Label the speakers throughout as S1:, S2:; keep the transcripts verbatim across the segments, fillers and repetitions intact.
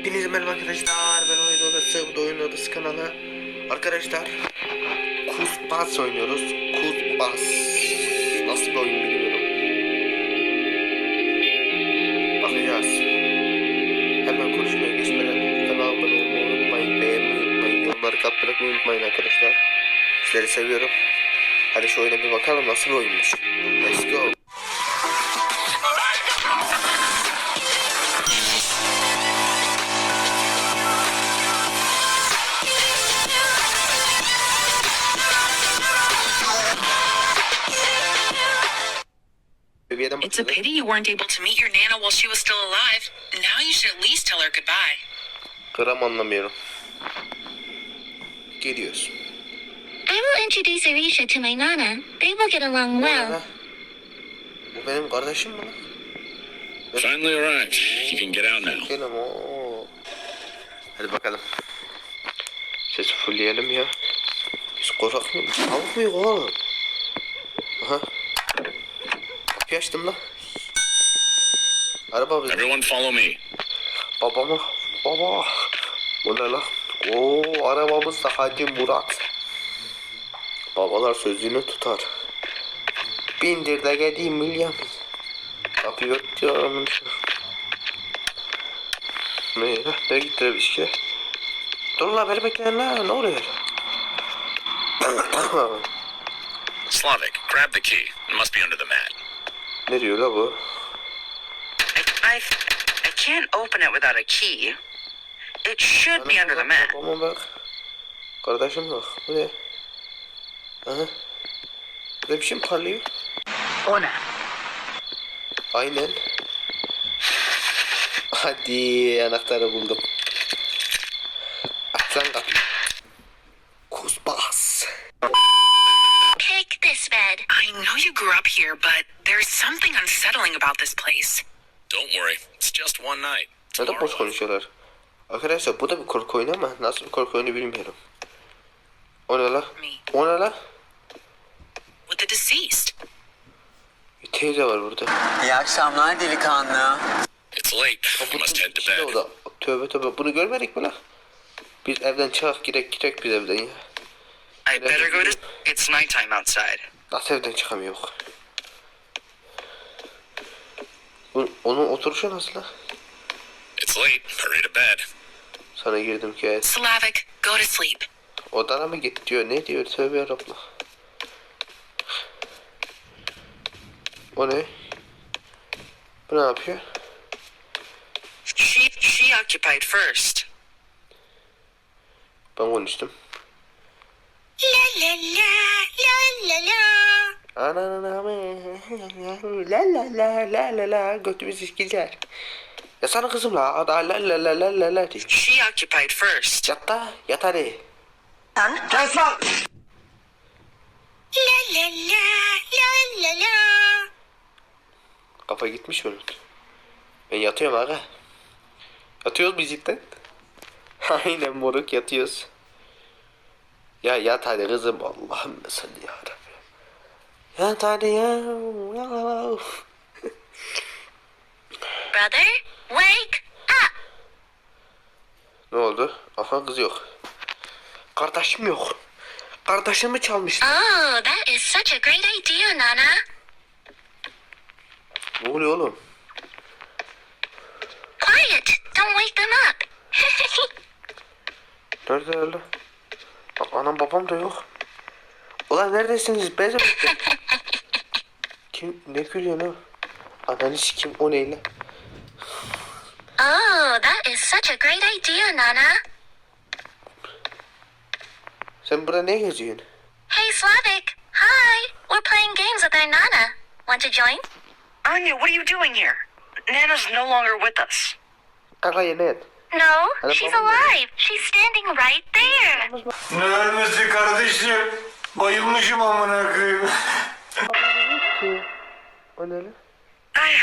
S1: Hepinize merhaba arkadaşlar, ben Oyun Odası, bu da Oyun Odası kanalı. Arkadaşlar, Kuzbas oynuyoruz. Kuzbas nasıl bir oyun bilmiyorum. Bakacağız. Hemen konuşmaya geçmeden kanala abone olmayı unutmayın, beğenmeyi unutmayın, yorumları katmayı unutmayın arkadaşlar. Sizleri seviyorum. Hadi şu oyuna bir bakalım nasıl bir oyunmuş. Let's go.
S2: It's a pity you weren't able to meet your Nana while she was still alive. Now you should at least tell her goodbye.
S1: Gram anlamıyorum. Geliyoruz.
S3: I will introduce Arisha to my Nana. They will get along well.
S1: Bu benim kardeşim mi lan?
S4: Finally arrived. You can get out now.
S1: Gelin o. Hadi bakalım. Sesi fullleyelim ya. Biz korkak mıyız? Tavuk muyuz oğlum? Aha. Kapıyı açtım lan. Araba bizim.
S4: Everyone follow me.
S1: Babama. Baba. Bu ne lan? Oo, arabamız da Hacı Murat. Babalar sözünü tutar. Bindir de geleyim milyon. Kapıyı örtüyorum. Ne lan? Ne gitti bir şey? Dur la beni bekleyin la. Ne oluyor?
S4: Slavic, grab the key. It must be under the mat.
S1: Ne diyor la bu?
S5: I, I, I can't open it without a key. It should be under the mat.
S1: Babama bak. Kardeşim bak. Bu ne? Aha. Burada bir şey mi parlıyor?
S5: O ne?
S1: Aynen. Hadi anahtarı buldum. Aç lan kapıyı. Kuzbas.
S3: Pick this bed.
S2: I know you grew up here, but there's something unsettling about this place.
S4: Don't worry. It's just one night.
S1: Neden boş konuşuyorlar? Arkadaşlar bu da bir korku oyunu ama nasıl bir korku oyunu bilmiyorum. O ne la? O ne la?
S2: With the deceased.
S1: Bir teyze var burada.
S5: İyi akşamlar delikanlı.
S4: It's late. You must head to bed.
S1: Orada. Tövbe tövbe bunu görmedik mi la? Biz evden çıkak girek girek biz evden ya.
S5: I better go to... It's nighttime outside.
S1: Nasıl evden çıkamıyor? Onun oturuşu nasıl la?
S4: It's late. Hurry to bed.
S1: Sana girdim ki evet.
S2: Slavic, go to sleep.
S1: Odana mı git diyor. Ne diyor? Tövbe yarabbim. O ne? Bu ne yapıyor?
S5: She, she occupied first.
S1: Ben konuştum.
S3: La la la la la la.
S1: Ananamı la la la la la la götümüz işkiler. Ya sana kızım la ada la la la la la la diyor.
S5: She occupied first.
S1: Yat da yat hadi.
S5: Kes lan!
S3: La la la la la la.
S1: Kafa gitmiş onun. Ben yatıyorum aga. Yatıyoruz biz cidden. Aynen moruk yatıyoruz. Ya yat hadi kızım Allah'ım sen ya Rabbi. Yat hadi ya. Ya.
S3: Brother, wake up.
S1: Ne oldu? Aha kız yok. Kardeşim yok. Kardeşimi çalmışlar.
S3: Oh, that is such a great idea, Nana.
S1: Ne oluyor oğlum?
S3: Quiet. Don't wake them up.
S1: Nerede öyle? Anam babam da yok. Ulan neredesiniz? Bezim. Kim? Ne gülüyor ne? Ananı sikim o neyle?
S3: Oh, that is such a great idea, Nana.
S1: Sen burada ne geziyorsun?
S3: Hey, Slavic. Hi. We're playing games with our Nana. Want to join?
S5: Anya, what are you doing here? Nana's no longer with us.
S1: Kaka yine et.
S3: No,
S1: Hello,
S3: she's
S1: Mama.
S3: alive. She's standing right there.
S6: Ne ölmesi kardeşim? Bayılmışım amına koyayım.
S1: O ne lan?
S5: I...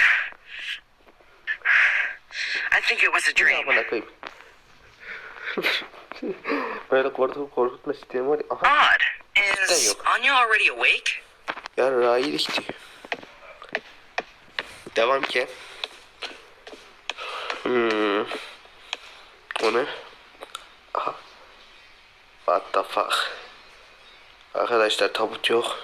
S5: I think it was a dream.
S1: Amına koyayım. Böyle korkutup korkutma sistemi var ya. Aha.
S5: Odd. Is
S1: yok.
S5: Anya already awake?
S1: Ya rayilik diyor. Devam ki. Hmm. onu. Aha. What the fuck. Arkadaşlar tabut yok.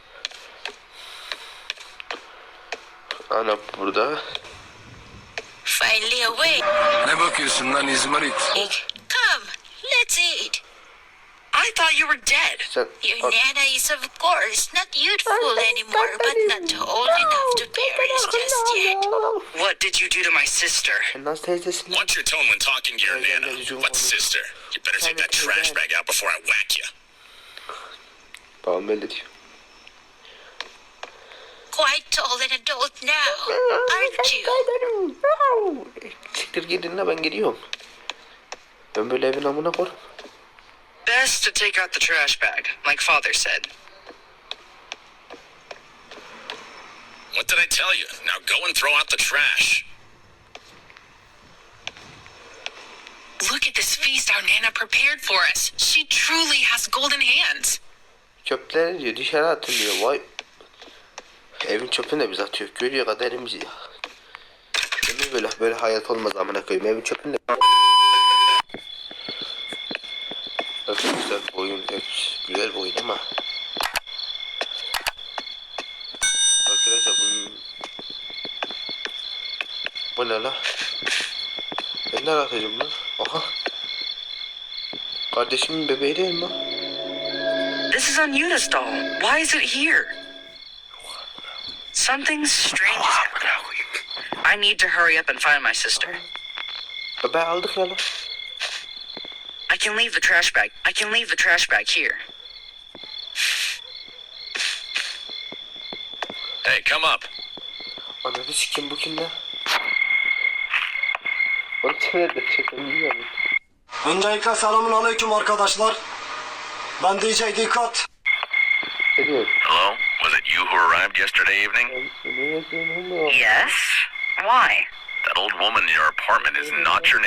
S1: Ana burada.
S2: Finally awake.
S7: Ne bakıyorsun lan İzmarit?
S2: Come, let's eat.
S5: I thought you were dead.
S1: Sen
S2: Your
S1: bak,
S2: Nana is, of course, not youthful anymore, but not old enough to bear us just yet.
S5: What did you do to my sister?
S1: sen nasıl teyzesin?
S4: Watch your tone when talking to your
S1: Yeah, yeah,
S4: nana.
S1: yeah, you
S4: What
S1: want-
S4: sister? You better take that trash bag out before I whack you.
S1: Babam belli diyor.
S2: Quite tall and adult now, aren't you?
S1: Siktir gidin de ben gidiyorum. Ben böyle evin amına koyarım.
S5: Best to take out the trash bag, like Father said.
S4: What did I tell you? Now go and throw out the trash.
S2: Look at this feast our Nana prepared for us. She truly has golden hands.
S1: Çöpleri diyor dışarı atın diyor. Vay. Evin çöpünü de biz atıyoruz. Görüyor kaderimizi ya. Demin böyle böyle hayat olmaz amına koyayım. Evin çöpünü de. Nasıl güzel bir oyun. Hep güzel bir oyun ama. Arkadaşlar bunun... Bu ne la? Ben nereye atacağım lan? Aha. Kardeşimin bebeği değil mi?
S5: This is Unuda's doll. Why is it here? Something strange is happening. I need to hurry up and find my sister.
S1: Bebeği aldık ya lan.
S5: I can leave the trash bag. I can leave the trash bag here.
S4: Hey, come up.
S1: Ananı sikim bu kim lan? Onu nerede çekim bilmiyorum.
S8: Öncelikle selamun aleyküm arkadaşlar. Ben D J Dikkat.
S1: Ne diyor?
S4: Hello? Was it you who arrived yesterday evening?
S5: Yes? Why?
S4: That old woman in your apartment is not your